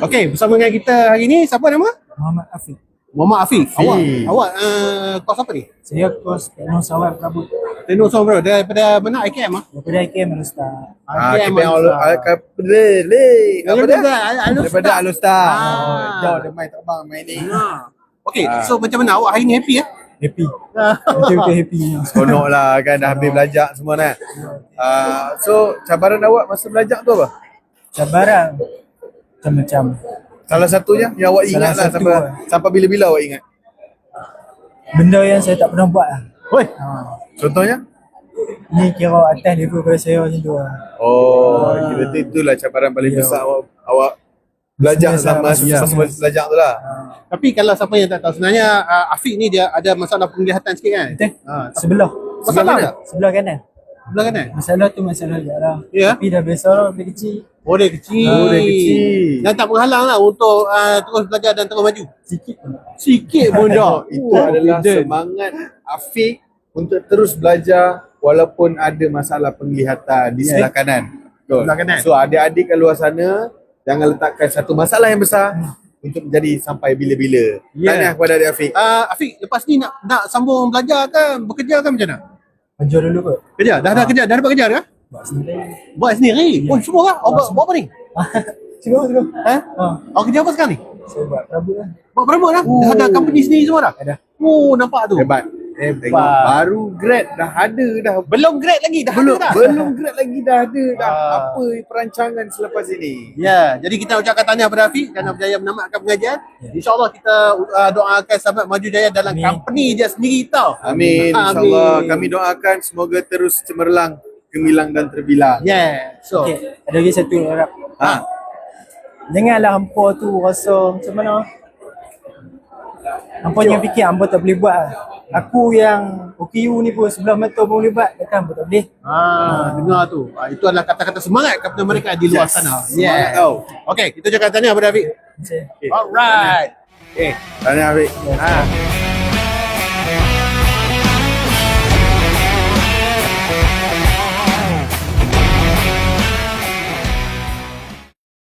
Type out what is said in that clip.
Okey, bersama dengan kita hari ni siapa nama? Muhammad Afiq. Muhammad Afiq. Awak kos apa ni? Saya kos Teknos Awal Prabut. Teknos Awal daripada mana? IKM ah? Daripada IKM Alustad. IKM Daripada Alustad. Jauh dia main tak bang main ni. Okey, so macam mana awak hari ni happy Happy. Betul-betul happy. Seronok lah kan dah habis belajar semua kan. So cabaran awak masa belajar tu apa? Cabaran macam-macam. Salah satunya yang awak ingat lah sampai bila-bila awak ingat? Benda yang saya tak pernah buat lah. Oi. Contohnya? Ni kira atas level pada saya macam tu lah. Oh, kira itulah cabaran paling besar awak belajar sama belajar tu lah. Tapi kalau siapa yang tak tahu, sebenarnya Afiq ni dia ada masalah penglihatan sikit kan? Betul? Sebelah. Masalah mana? Sebelah kanan. Sebelah kanan? Masalah tu masalah je lah. Ya? Tapi dah biasa lah, dia kecil. Oh dia kecil. Dan tak menghalang lah untuk terus belajar dan terus maju. Sikit pun. Sikit pun dah. Itu adalah semangat Afiq untuk terus belajar walaupun ada masalah penglihatan di sebelah kanan. Sebelah kanan. So adik-adik kat luar sana jangan letakkan satu masalah yang besar untuk menjadi sampai bila-bila. Tanya kepada adik Afiq. Afiq, lepas ni nak sambung belajar ke bekerja ke macam mana? Kerja dulu kot. Kerja? Dah kerja? Dah dapat kerja ke? Buat sendiri. Buat sendiri? Oh semua kah? Awak buat apa ni? Cuba. Awak kerja apa sekarang ni? Saya buat perabot lah. Buat perabot dah? Dah ada company sendiri semua dah? Ada. Oh nampak tu. Hebat. Tengok baru grad dah ada dah. Belum grad lagi dah Belum ada dah. belum grad lagi dah ada dah. Apa perancangan selepas ini? Ya, jadi kita ucapkan tahniah kepada Afiq kerana berjaya menamatkan pengajian. InsyaAllah kita doakan sahabat maju jaya dalam company dia sendiri tau. Amin. InsyaAllah kami doakan semoga terus cemerlang, gemilang dan terbilang. Yeah. So, Okay, ada lagi satu harap. Janganlah hampa tu rasa macam mana. Hampa yang fikir hampa tak boleh buat lah. Aku yang OKU ni pun sebelah mata pun boleh buat. Takkan hampa tak boleh. dengar tu. Itu adalah kata-kata semangat kepada mereka di luar sana. Semangat tau. Okay, kita ucapkan tahniah kepada Afiq. Okay. Alright. Tanya Afiq.